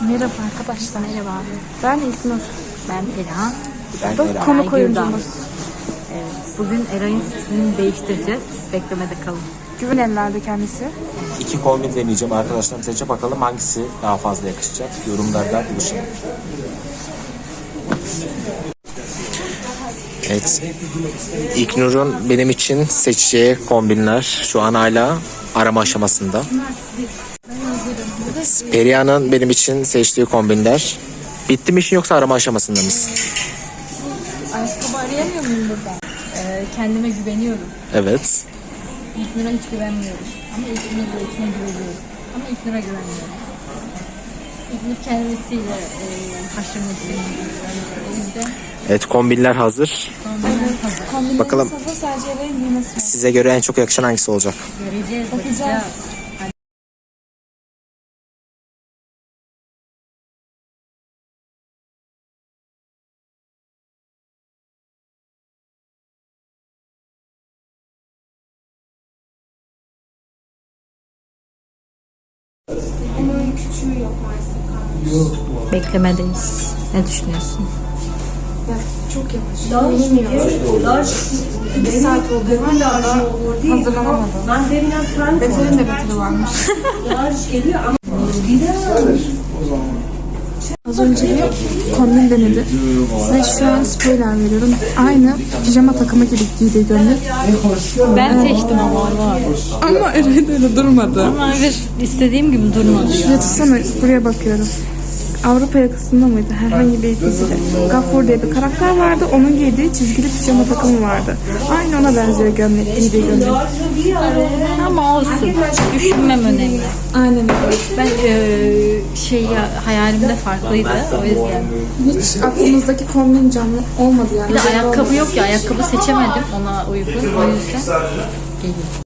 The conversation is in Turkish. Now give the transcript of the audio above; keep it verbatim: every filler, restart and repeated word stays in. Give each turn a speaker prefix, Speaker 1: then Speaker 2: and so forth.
Speaker 1: Merhaba arkadaşlar.
Speaker 2: Merhaba.
Speaker 1: Ben İlknur.
Speaker 2: Ben Ela.
Speaker 1: Ben Bu da konuk oyuncumuz.
Speaker 2: Evet. Bugün Eray'ın stilini değiştireceğiz. Beklemede kalın.
Speaker 1: Güven ellerde kendisi.
Speaker 3: İki kombin deneyeceğim arkadaşlar. Seçe bakalım hangisi daha fazla yakışacak. Yorumlarda buluşalım. Evet. İlknur'un benim için seçeceği kombinler şu an hala arama aşamasında. Perihan'ın benim için seçtiği kombinler. Bitti mi işin yoksa arama aşamasında mısın?
Speaker 2: Ayakkabı arayamıyor muyum burada? Ee, kendime güveniyorum.
Speaker 3: Evet.
Speaker 2: İlknur'a hiç güvenmiyorum. Ama İlknur'a İlknur'a güveniyorum. Ama İlknur'a güvenmiyorum. İlknur kendisiyle e, haşır neşir. O yüzden
Speaker 3: Evet, kombinler hazır.
Speaker 1: Kombinlerimiz
Speaker 3: Bakalım.
Speaker 1: hazır, sadece Eray'ın giymesi var.
Speaker 3: Size göre en çok yakışan hangisi olacak?
Speaker 2: göreceğiz,
Speaker 1: Bakacağız.
Speaker 2: bakacağız.
Speaker 1: Onun küçüğü yok maalesef.
Speaker 2: Beklemedeyiz. Ne düşünüyorsun?
Speaker 1: Ya, çok yavaş. Bilmiyorum. İki saat oldu. Hala da hazırlanamadım. Beter'in de beteri varmış. Az önce bir kombin denedi. Size şu an spoiler veriyorum. Aynı pijama takımı gibi giydiği gömlek.
Speaker 2: Ben seçtim ama var.
Speaker 1: Ama Eray de öyle durmadı.
Speaker 2: Ama evet, istediğim gibi durmadı ya.
Speaker 1: Yatsana, buraya bakıyorum. Avrupa yakasında mıydı? Herhangi bir dizide. Gaffur diye bir karakter vardı. Onun giydiği çizgili pijama takımı vardı. Aynı ona benziyor gömlek, giydiği gömlek.
Speaker 2: Ama olsun. Düşünmem önemli.
Speaker 1: Aynen öyle.
Speaker 2: Ben eee şey ya, hayalimde farklıydı. O yüzden.
Speaker 1: Hiç aklımızdaki kombin canlı olmadı yani.
Speaker 2: Bir de ayakkabı yok ya. Ayakkabı seçemedim ona uygun. O yüzden geliyor.